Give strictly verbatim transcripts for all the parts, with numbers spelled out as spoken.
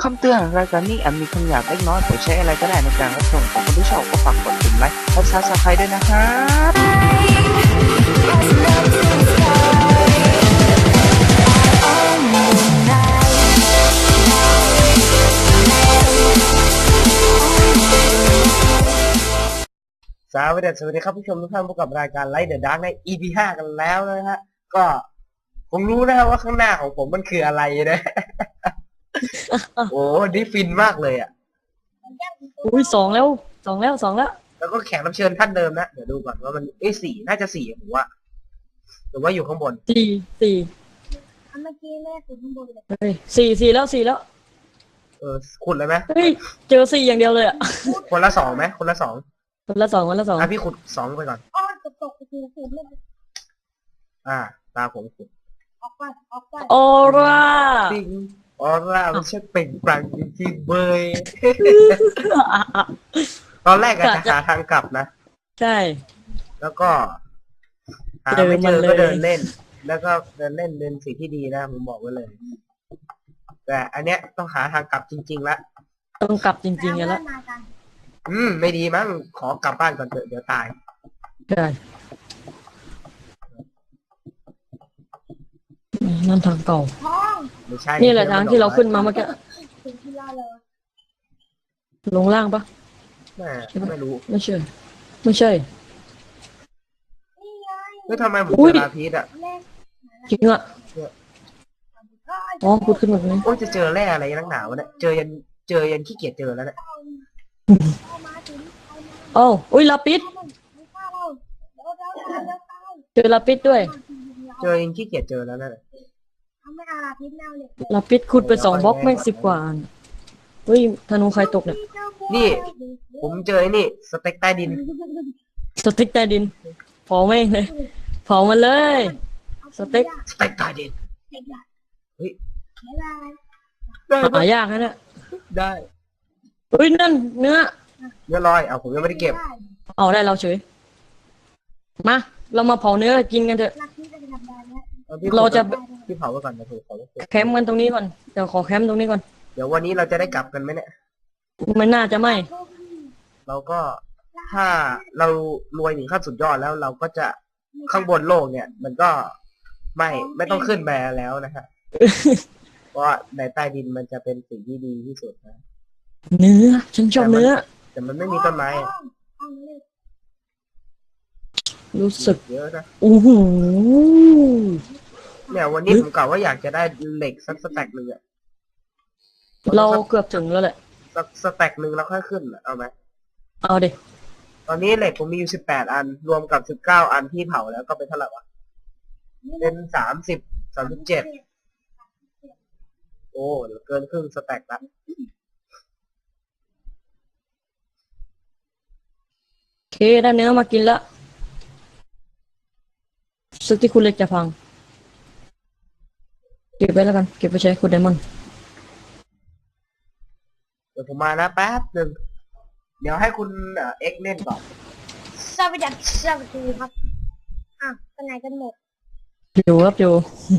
คำเตือนรายการนี้อาจมีคำหยาบเล็กน้อยโปรดใช้อะไรก็ได้ในการรับชมของคนที่ชอบก็ฝากกดปุ่มไลค์และซับสไครต์ด้วยนะครับสวัสดีสวัสดีครับผู้ชมทุกท่านพบกับรายการไลท์เดอะดาร์กใน อี พี ห้ากันแล้วนะฮะก็ผมรู้นะครับว่าข้างหน้าของผมมันคืออะไรนะ โอ้นี่ฟินมากเลยอ่ะอุ้ยสองแล้วสองแล้วสองแล้วแล้วก็แขกรับเชิญท่านเดิมนะเดี๋ยวดูก่อนว่ามันเอ้ยสี่น่าจะสี่ผมว่าหรือว่าอยู่ข้างบนสี่สี่เมื่อกี้แม่ถึงข้างบนเลยเฮ้ยสี่สี่แล้วสี่แล้วเออขุดเลยไหมเฮ้ยเจอสี่อย่างเดียวเลยอ่ะคนละสองไหมคนละสองคนละสองคนละสองอ่ะพี่ขุดสองไปก่อนอ้อนตกตกคือคือไม่อ่าตาผมขุดออกไปออกไปออร่าจริงออร่ามันช่างเปล่งปลั่งจริงๆเบย ตอนแรกอะจะหาทางกลับนะใช่แล้วก็หาไม่เจอก็เดินเล่น แล้วก็เดินเล่นเป็นสิ่งที่ดีนะผมบอกไว้เลย แต่อันเนี้ยต้องหาทางกลับจริงๆละต้องกลับจริงๆกันแล้วมากันอืมไม่ดีมั้งขอกลับบ้านก่อนเถอะเดี๋ยวตายใช่นั่นทางเก่าท้องไม่ใช่นี่แหละทางที่เราขึ้นมาเมื่อกี้ถึงที่เราเลยลงล่างปะแม่ไม่รู้ไม่ใช่ไม่ใช่นี่ไงเฮ้ยทำไมผมอุ้ยเจอลาพีชอ่ะเล่นจริงอ่ะอ๋อพูดขึ้นแบบนี้โอ้ยจะเจอแร่อะไรนักหนาวะเนี่ยเจอยันเจอยันขี้เกียจเจอแล้วเนี่ยเอามาถึงเอามาโอ้อุ้ยลาปิดไม่ฆ่าเราเดี๋ยวเราตายเดี๋ยวตายเจอลาปิดด้วยเจอยันขี้เกียจเจอแล้วนั่นแหละทำไม่อาพิษแนวเลยลาปิดขุดไปสองบล็อกแม่งสิบกว่าอันเฮ้ยธนูใครตกเนี่ยนี่ผมเจอไอ้นี่สเต็กใต้ดินสเต็กใต้ดินเผาแม่งเลยเผามันเลย สเต็กสเต็กใต้ดิน เฮ้ยบ๊ายบายได้หายากนะเนี่ยได้เฮ้ยนั่นเนื้อเนื้อลอยเอาผมยังไม่ได้เก็บเอาได้เราเฉยมาเรามาเผาเนื้อกินกันเถอะรักที่จะทำได้นะอพี่เราจะพี่เผาไว้ก่อนนะผมขอไว้ก่อนแคมป์กันตรงนี้ก่อนเดี๋ยวขอแคมป์ตรงนี้ก่อนเดี๋ยววันนี้เราจะได้กลับกันไหมเนี่ยมันน่าจะไม่เราก็ถ้าเรารวยถึงขั้นสุดยอดแล้วเราก็จะข้างบนโลกเนี่ย มันก็ไม่ไม่ต้องขึ้นไปแล้วนะฮะ เพราะว่าในใต้ดินมันจะเป็นสิ่งที่ดีที่สุดนะเนื้อฉันชอบเนื้อแต่มันไม่มีต้นไม้อะรู้สึกเยอะนะโอ้โหเนี่ยวันนี้ผมกล่าวว่าอยากจะได้เหล็กสักสแต็กหนึ่งอะเราเกือบถึงแล้วแหละสักสแต็กหนึ่งแล้วค่อยขึ้นอะเอาไหมเอาเด็ตอนนี้เหล็กผมมีอยู่สิบแปดอัน รวมกับสิบเก้าอันที่เผาแล้วก็เป็นเท่าไหร่วะเป็นสามสิบสามสิบเจ็ดโอ้เหลือเกินครึ่งสแต็กละโอเคได้เนื้อมากินละสึกที่คุณเล็กจะพังเก็บไว้แล้วกันเก็บไปใช้คุณไดมอนด์เดี๋ยวผมมานะแป๊บหนึ่งเดี๋ยวให้คุณเอ่อเอ็กซ์เล่นก่อนสวัสดีสวัสดีครับอ่ะไปไหนกันหมดอยู่ครับอยู่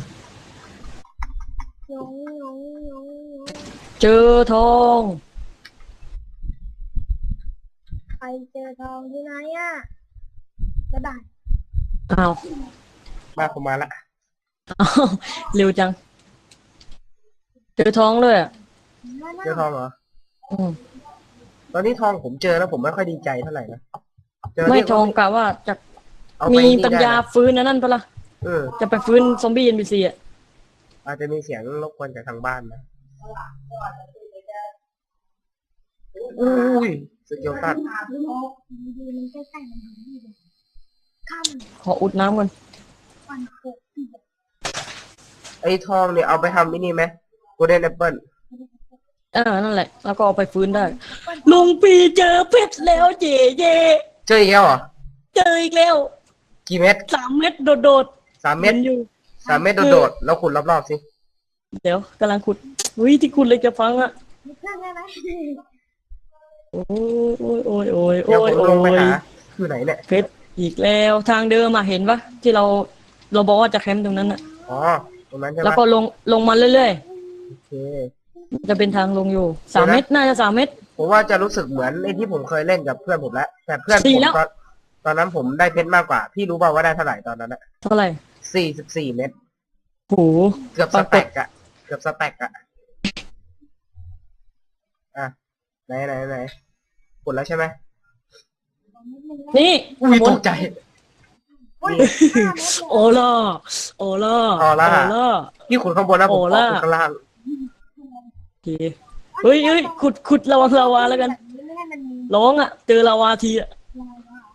ยงยงยงยงเจอทองใครเจอทองที่ไหนอ่ะบ๊ายบายอ้าวมาผมมาละอ้าวเร็วจังเจอทองเลยอ่ะเจอทองเหรออืมตอนนี้ทองผมเจอแล้วผมไม่ค่อยดีใจเท่าไหร่นะเจอไม่เนี่ยทองกะว่าจะเอาไปมีนี่ปัญญาได้นะฟื้นนะนั่นปะล่ะเออจะไปฟื้นซอมบี้เอ็นบีซีอ่ะอาจจะมีเสียงรบกวนจากทางบ้านนะอุ้ยสเกิลตันดีมันใกล้ๆมันดีเลยข้ามขออุดน้ำก่อนวันเกิดปีไอ้ทองเนี่ยเอาไปทำไอ้นี่ไหมโกลเด้นแอปเปิลเออนั่นแหละ แล้วก็เอาไปฟื้นได้ ลุงปีเจอเพชรแล้วเย่เย่เจออีกแล้วเหรอเจออีกแล้วกี่เม็ดสามเม็ดโดดสามๆเม็ดนอยู่สามเม็ดโดดๆแล้วขุดรอบๆสิเดี๋ยวกำลังขุดอุ้ยที่คุณเลยจะฟังอ่ะมีเครื่องได้ไหมโอ้ยโอ้ยโอ้ยโอ้เดี๋ยวย ผมโอ้ลงไปยหาคือไหนเนี่ยเพชรอีกแล้วทางเดิมมาเห็นปะที่เราเราบอกว่าจะแคมป์ตรงนั้นอ่ะอ๋อตรงนั้นใช่ไหมแล้วก็ลงลงมาเรื่อยโอเคจะเป็นทางลงอยู่สามเมตรน่าจะสามเมตรผมว่าจะรู้สึกเหมือนไอ้ที่ผมเคยเล่นกับเพื่อนผมแล้วแต่เพื่อนผสี่มแล้วตอนตอนนั้นผมได้เพชรมากกว่าพี่รู้เปล่าว่าได้เท่าไหร่ตอนนั้นอะเท่าไหร่สี่สิบสี่เม็ดโหเกือบปสรากฏแต็กอะเกือบสแต็กอะอ่ะไหนไหนไหนกดแล้วใช่ไหมนี่อุ้ยขบวตนกใจอุ้ยนี่ห้าเมตรเลยโอล่าโอล่าออร่าล่าพี่ขุดข้างบนนะผมโอขอล่าขุดข้างล่างโอเคเฮ้ยเฮ้ยขุดขุดระวังลาวาแล้วกันแบบนี้ไม่ให้มันมีร้องอ่ะ เจอลาวาทีอ่ะลายว่า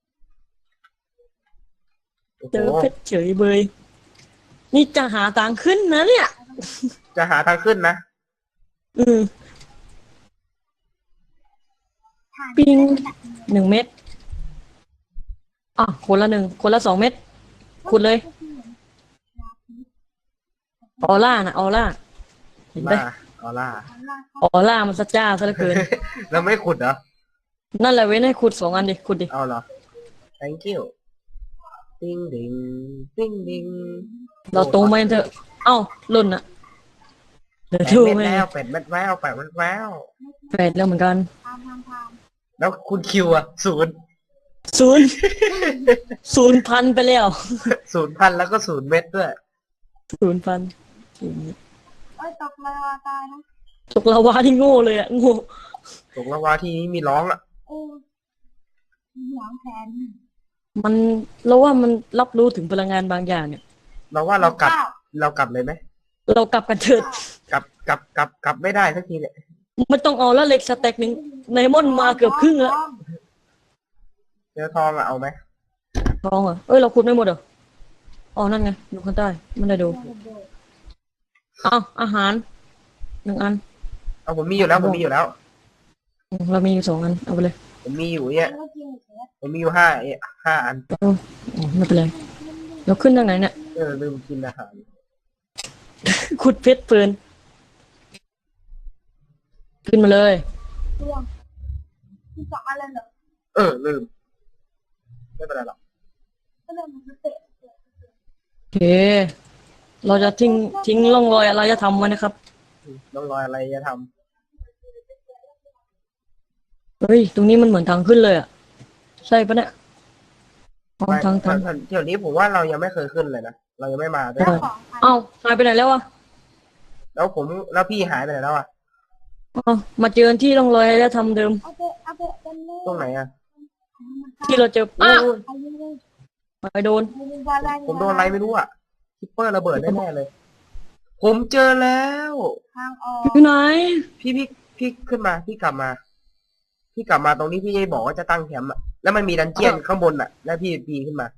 โอ้โหเจอเพชรเฉยเบยนี่จะหาทางขึ้นนะเนี่ยจะหาทางขึ้นนะอืมถ่านปิงหนึ่งเม็ดอ่ะคนละหนึ่งคนละสองเม็ดขุดเลยออร่านะออร่าเห็นไหมมาออร่าออร่ามันสัจจ้าซะเหลือเกินแล้วไม่ขุดเหรอนั่นแหละเว้นให้ขุดสองอันดิขุดดิเอาเหรอ thank you ติ้งดิงติ้งดิงเราโตมาเถอะเอ้าหล่นอ่ะเดี๋ยวแปดดูเม็ดไงแล้วแปดเม็ดแววแปดเม็ดแววแปดแล้วเหมือนกันทำทำทำแล้วคุณคิวอะศูนย์ศูนย์ศูนย์พันไปแล้วศูนย์พันแล้วก็ศูนย์เม็ดด้วยศูนย์พันเอ้ยตกเลยว่าตายนะตกลาวาที่โง่เลยอ่ะโง่ตกละวาที่นี้มีร้องอะเออหวางแผนมันเราว่ามันรับรู้ถึงพลังงานบางอย่างเนี่ยเราว่าเรากลับเรากลับเลยไหมเรากลับกันเถิดกลับกลับกลับกลับไม่ได้สักทีเนี่ยไม่ต้องเอาแล้วเหล็กสแต็กหนึ่งไนมอนมาเกือบครึ่งแล้วเจอทองอะเอาไหมทองเหรอเอ้ยเราขุดไม่หมดเหรออ๋อนั่นไงดูข้างใต้ไม่ได้ดูเอาอาหารหนึ่งอันเอาผมมีอยู่แล้วผมมีอยู่แล้วอืมเรามีอยู่สองอันเอาไปเลยผมมีอยู่เนี่ยแล้วก็กินเสร็จผมมีอยู่ห้าเอะห้าอันโอ้อ๋อไม่เป็นไรเราขึ้นทางไหนเนี่ยเออลืมกินอาหารขุดเพชรเฟินขึ้นมาเลยตัวที่สองอะไรเหรอเออลืมไม่เป็นไรหรอกก็เลยมันเตะโอเค เราจะทิ้งทิ้งร่องรอยอะไรจะทำไว้นะครับต้องรอยอะไรจะทเฮ้ยตรงนี้มันเหมือนทางขึ้นเลยอ่ะใช่ปะเนี่ยอ๋อำไม่ทางทางเดี๋ยวนี้ผมว่าเรายังไม่เคยขึ้นเลยนะเรายังไม่มาด้วยแล้วของพันเอ้าหายไปไหนแล้วอ่ะแล้วผมแล้วพี่หายไปไหนแล้วอะอ๋อมาเจอที่ร่องรอยอะไรทำเดิมเอาไปเอาไปกันเลยตรงไหนอะที่เราเจออ้าโอ้ยเอายิงเลยไปโดนยิงบอลอะไรผมโดนอะไรไม่รู้อะคิปเปอร์ระเบิดแน่ๆเลย ผมเจอแล้วทางออกอยู่ไหนพี่พี่พี่ขึ้นมาพี่กลับมา พี่กลับมาตรงนี้พี่บอกว่าจะตั้งแคมป์อะแล้วมันมีดันเจียนข้างบนอะแล้วพี่ปีนขึ้นมา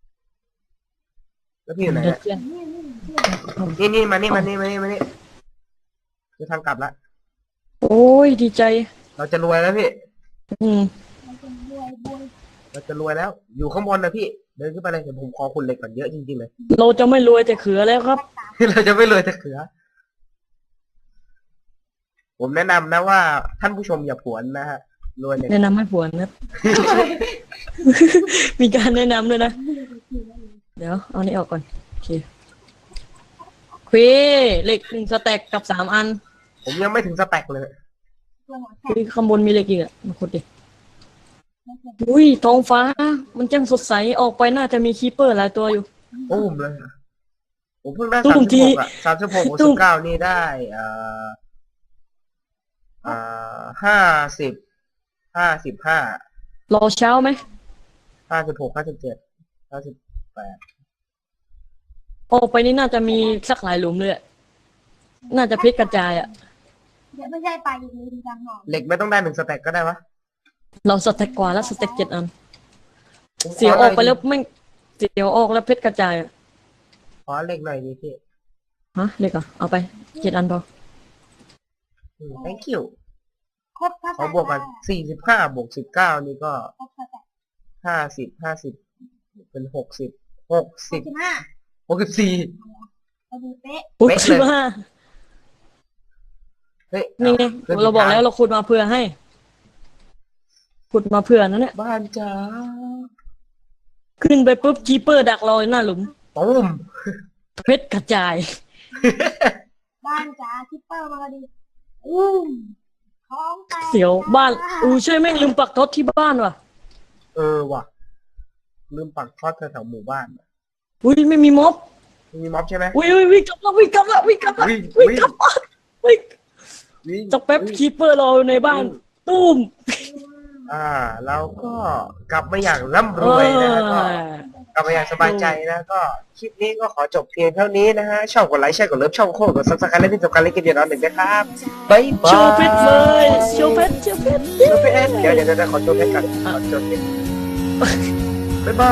แล้วพี่อยู่ไหนอะนี่นี่นี่นี่นี่มานี่มานี่มานี่มานี่คือทางกลับละโอ้ยดีใจเราจะรวยแล้วพี่อืมมันเป็นบวยบวยเราจะรวยแล้ว อยู่ข้างบนนะพี่ เดินขึ้นไปเลยเดี๋ยวผมขอคุณเหล็กก่อนเยอะจริงๆเลยเราจะไม่รวยแต่เขือแล้วครับเราจะไม่รวยแต่เขือ ผมแนะนำนะว่าท่านผู้ชมอย่าผวนนะฮะ รวยเนี่ยแนะนำให้ผัวนะครับ มีการแนะนำด้วยนะ เดี๋ยวเอานี้ออกก่อนโอเคควีเหล็กหนึ่งสแต็กกับสามอันผมยังไม่ถึงสแต็กเลยตัวหัวแขคุนยข้างบนมีเหล็กอีกอ่ะมาขุดดิอุ้ยท้องฟ้า มันจังสดใสออกไปน่าจะมีคีปเปอร์หลายตัวอยู่ตุ้มเลย ผมเพิ่งได้ตุ้สามมสิทีบหกอะสามสิบหกตุ้สิมบเก้านี่ได้อ่าอ่าห้าสิบห้าสิบห้ารอเช้าไหมห้าสิบหกห้าสิบเจ็ดห้าสิบแปดออกไปนี่น่าจะมีสักหลายหลุมเลยอะน่าจะเพชรกระจายอ่ะเดี๋ยวไม่ใช่ไปอีกเลยทางออกเหล็กไม่ต้องได้หนึ่งสแต็กก็ได้วะเราสแต็กกว่าแล้วสแต็กเจ็ดอันผมขเสียวออกไปหน่แล้ยวไม่งเสียวออกแล้วเพชรกระจายอะขอเหล็กหน่อยดิพี่ฮะเหล็กเหรอ่ะเอาไปเจ็ดอันพออืม thank you ครบถ้าขอบวกกันสี่สิบห้าบวกสิบเก้านี่ก็ครบถ้าแต่ห้าสิบห้าสิบเป็นหกสิบหกสิบสิบห้าหกสิบสี่พอดีเป๊ะอุ๊ยเป๊ะเลยสิบห้าเฮ้ยนี่ไงขึ้นเราบอกทงแล้วเราขุดมาเพื่อให้ขุดมาเพื่อนั่นเนี่ยบ้านจ้าขึ้นไปปุ๊บคีเปอร์ดักเราหน้าหลุมตุ้มเพชรกระจายบ้านจ๋าคิปเปอร์มาพอดีอู้ท้องแตกเสียวบ้านอูใช่แม่งลืมปักท็อตที่บ้านว่ะเออว่ะลืมปักทอดแถวๆหมู่บ้านอุ้ยไม่มีม็อบมีม็อบใช่ไหมอุ้ยอุ้ยวิ่งกลับแล้ววิ่งกลับแล้ววิ่งกลับแล้ววิ่งวิ่งวิ่งกลับบ้านวิ่งวิ่งจักแป๊บวิ่งคีเปอร์รออยู่ในบ้านตุ้มอ่าเราก็กลับมาอย่างร่ำรวยนะฮะก็กลับมาอย่างสบายใจนะก็คลิปนี้ก็ขอจบเพียงเท่านี้นะฮะชอบกดไลค์แชร์กดเลิฟช่องโคกดซับสไครต์และที่สำคัญเล่นเกมเดียวน้องหนึ่งนะครับบ๊ายบายโชว์เพชรเลยโชว์เพชรโชว์เพชรโชว์เพชรเดี๋ยวเดี๋ยวเดี๋ยวขอโชว์เพชรก่อนขอโชว์เพชรบ๊ายบาย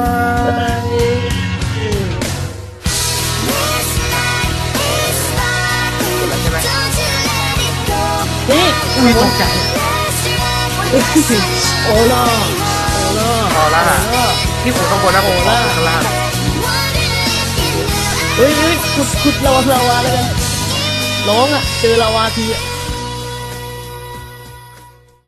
ใช่ไหมนี่อุ้ยตกใจโอล่าโอล่าพอละพี่ขู่ข้างบนนะผมขอขู่ข้างล่างเฮ้ยเฮ้ยขุดขุดลาวาลาวาแล้วกันร้องอ่ะเจอลาวาทีอ่ะ